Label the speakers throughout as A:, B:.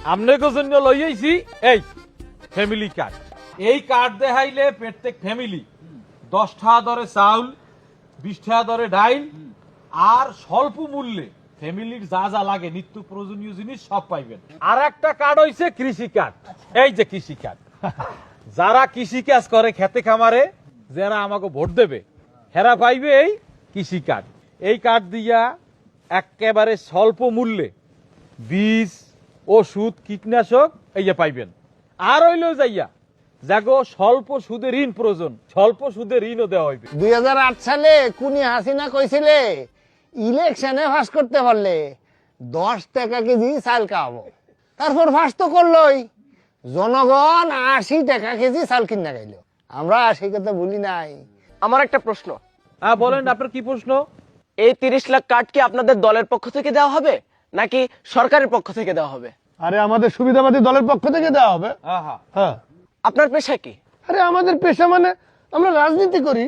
A: আপনাকে জন্য লইয়াইছি এই ফ্যামিলি কার্ড। এই কার্ড দেখাইলে প্রত্যেক ফ্যামিলি 10 টাকা দরে চাউল, 20 টাকা দরে ডাইল আর স্বল্প মূল্যে ফ্যামিলির যা যা লাগে নিত্য প্রয়োজনীয় জিনিস সব পাইবেন। আর একটা কার্ড হইছে কৃষি কার্ড। এই যে কৃষি কার্ড, যারা কৃষি কাজ করে খেতে খামারে, যারা আমাকে ভোট দেবে হেরা পাইবে এই কৃষি কার্ড। এই কার্ড দিয়া একেবারে স্বল্প মূল্যে বীজ, ওষুধ, কীটনাশক এই যে পাইবেন। আর হইলেও যাইয়া যাগো স্বল্প সুদে ঋণ প্রয়োজন, স্বল্প সুদে ঋণও দেওয়া হইবে।
B: 2008 সালে কুনি হাসিনা কইছিলে ইলেকশনে ফাঁস করতে পারলে 10 টাকা কেজি চাল খাওয়াবো। তারপর ফাঁস তো করলোই, জনগণ 80 টাকা কেজি চাল কিনা খাইলো। আমরা সেই কথা বলি নাই।
C: আমার একটা প্রশ্ন।
A: বলেন আপনার কি প্রশ্ন?
C: এই 30 লাখ কার্ড কি আপনাদের দলের পক্ষ থেকে দেওয়া হবে নাকি সরকারের পক্ষ থেকে দেওয়া হবে?
B: আরে আমাদের সুবিধাবাদী দলের পক্ষ থেকে দেওয়া হবে। হ্যাঁ।
C: আপনার পেশা কি?
B: আরে আমাদের পেশা মানে আমরা রাজনীতি করি।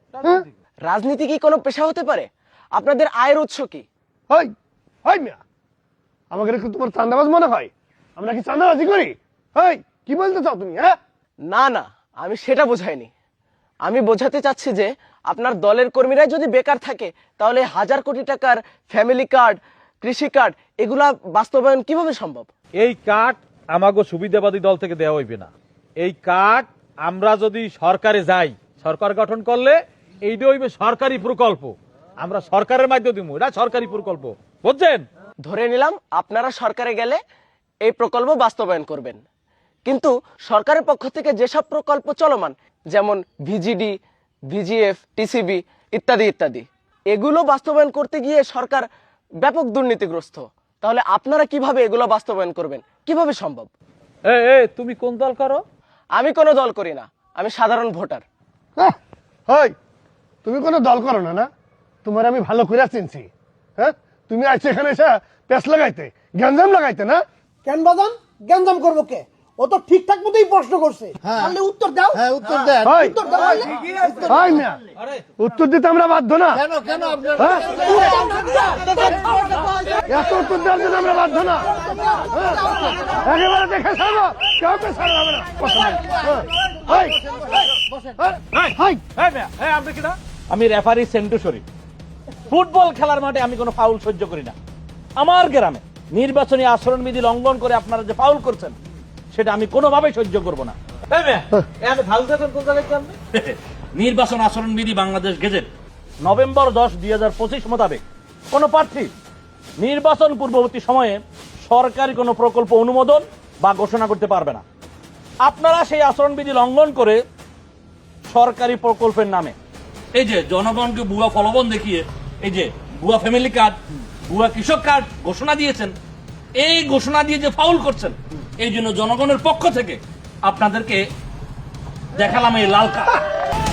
C: রাজনীতি কি কোনো পেশা হতে পারে? আপনাদের আয়ের উৎস কি?
B: হই হই মিয়া, আমাকে কি তোমার চাঁদাবাজ মনে হয়? আমরা কি চাঁদাবাজি করি? হই, কি বলতে চাও তুমি? হ্যাঁ,
C: না না, আমি সেটা বোঝাইনি। আমি বোঝাতে চাচ্ছি যে আপনার দলের কর্মীরাই যদি বেকার থাকে তাহলে 1000 কোটি টাকার ফ্যামিলি কার্ড, কৃষি কার্ড এগুলা বাস্তবায়ন কিভাবে সম্ভব?
A: এই কার্ড আমাগো সুবিধাবাদী দল থেকে দেওয়া হইবে না। এই কার্ড আমরা যদি সরকারে যাই, সরকার গঠন করলে এইটা হইবে সরকারি প্রকল্প, আমরা সরকারের মাধ্যমে দিব, এটা সরকারি প্রকল্প, বুঝছেন?
C: ধরে নিলাম আপনারা সরকারে গেলে এই প্রকল্প বাস্তবায়ন করবেন, কিন্তু সরকারের পক্ষ থেকে যেসব প্রকল্প চলমান যেমন ভিজিডি, ভিজিএফ, টিসিবি ইত্যাদি ইত্যাদি, এগুলো বাস্তবায়ন করতে গিয়ে সরকার ব্যাপক দুর্নীতিগ্রস্ত। তাহলে আপনারা কিভাবে এগুলো বাস্তবায়ন করবেন? কিভাবে সম্ভব?
A: তুমি কোন দল করো?
C: আমি কোনো দল করি না, আমি সাধারণ ভোটার।
B: হই, তুমি কোনো দল করো না? না, তোমার আমি ভালো করে চিনছি। হ্যাঁ, তুমি আজ এখানে এসে পেস লাগাইতে, গ্যাঞ্জাম লাগাইতে না?
D: কেন বাজান গ্যাঞ্জাম করবো কে? ও তো ঠিকঠাক মতোই প্রশ্ন করছে, তাহলে উত্তর দাও।
B: হ্যাঁ, উত্তর দেন।
D: উত্তর দাও।
B: হই মিয়া, উত্তর দিতে আমরা বাধ্য না।
D: কেন কেন আপনার
B: এত উত্তর দেওয়ার জন্য আমরা বাধ্য না। একেবারে দেখে ছাড়বো, কাউকে ছাড়া হবে না।
A: আমি রেফারি সেন্টু শরীফ। ফুটবল খেলার মাঠে আমি কোনো ফাউল সহ্য করি না। আমার গ্রামে নির্বাচনী আচরণবিধি লঙ্ঘন করে আপনারা যে ফাউল করছেন সেটা আমি কোনোভাবেই সহ্য করব না। নির্বাচন আচরণবিধি বাংলাদেশ গেজেট নভেম্বর 10, 2025 মোতাবেক কোন প্রার্থী নির্বাচন পূর্ববর্তী সময়ে সরকারি কোনো প্রকল্প অনুমোদন বা ঘোষণা করতে পারবে না। আপনারা সেই আচরণবিধি লঙ্ঘন করে সরকারি প্রকল্পের নামে এই যে জনগণকে ভুয়া প্রলোভন দেখিয়ে এই যে ভুয়া ফ্যামিলি কার্ড, ভুয়া কৃষক কার্ড ঘোষণা দিয়েছেন, এই ঘোষণা দিয়ে যে ফাউল করছেন, এই জন্য জনগণের পক্ষ থেকে আপনাদেরকে দেখালাম এই লাল কার্ড।